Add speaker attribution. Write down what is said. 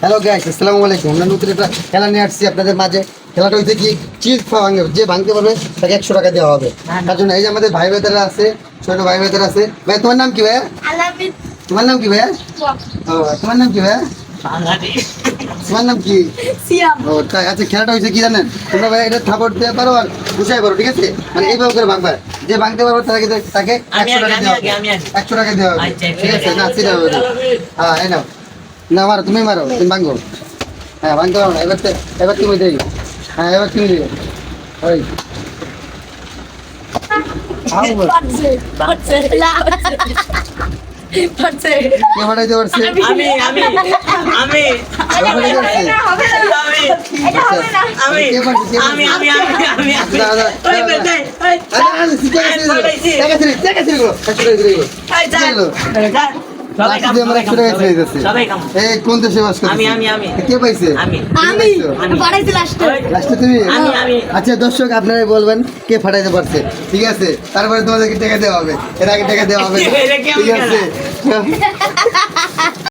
Speaker 1: Hello guys, আসসালামু আলাইকুম। আমরা নতুন একটা খেলা নিয়ে আসছি আপনাদের মাঝে। খেলাটা হচ্ছে কি, চিজ ভাঙবে, যে ভাঙতে পারবে তাকে 100 টাকা দেওয়া হবে। তার জন্য এই যে আমাদের ভাই ভাইদের আছে, ছোট ভাই ভাইদের আছে। ভাই তোমার নাম কি ভাইয়া? তোমার নাম কি ভাইয়া? ও তোমার নাম কি ভাইয়া? তোমার নাম কি? ও তাই। আচ্ছা, খেলাটা হয়েছে কি জানেন, তোমরা ভাই এটা থাপড় দিতে পারো আর গুছাই পারো, ঠিক আছে? মানে এইভাবে করে ভাঙবা, যে ভাঙতে পারবে তাকে 100 টাকা দেওয়া হবে। 100 টাকা দেওয়া হবে, ঠিক আছে? না সেটা হবে। হ্যাঁ, এই নাও। না মারো, তুমি মারো, তুমি ভাঙো। হ্যাঁ, ভাঙতে পারো না। এবার তুমি দেই। হ্যাঁ, এবার তুমি দিবে। ওই কে ফাটাইতে পারছে? কে পারছে? কোন দেশে বাস করছে? কে পাইছে? লাস্টে তুমি? আচ্ছা দর্শক, আপনারাই বলবেন কে ফাটাইতে পারছে, ঠিক আছে? তারপরে তোমাদেরকে টাকা দেওয়া হবে, এর আগে টাকা দেওয়া হবে, ঠিক আছে?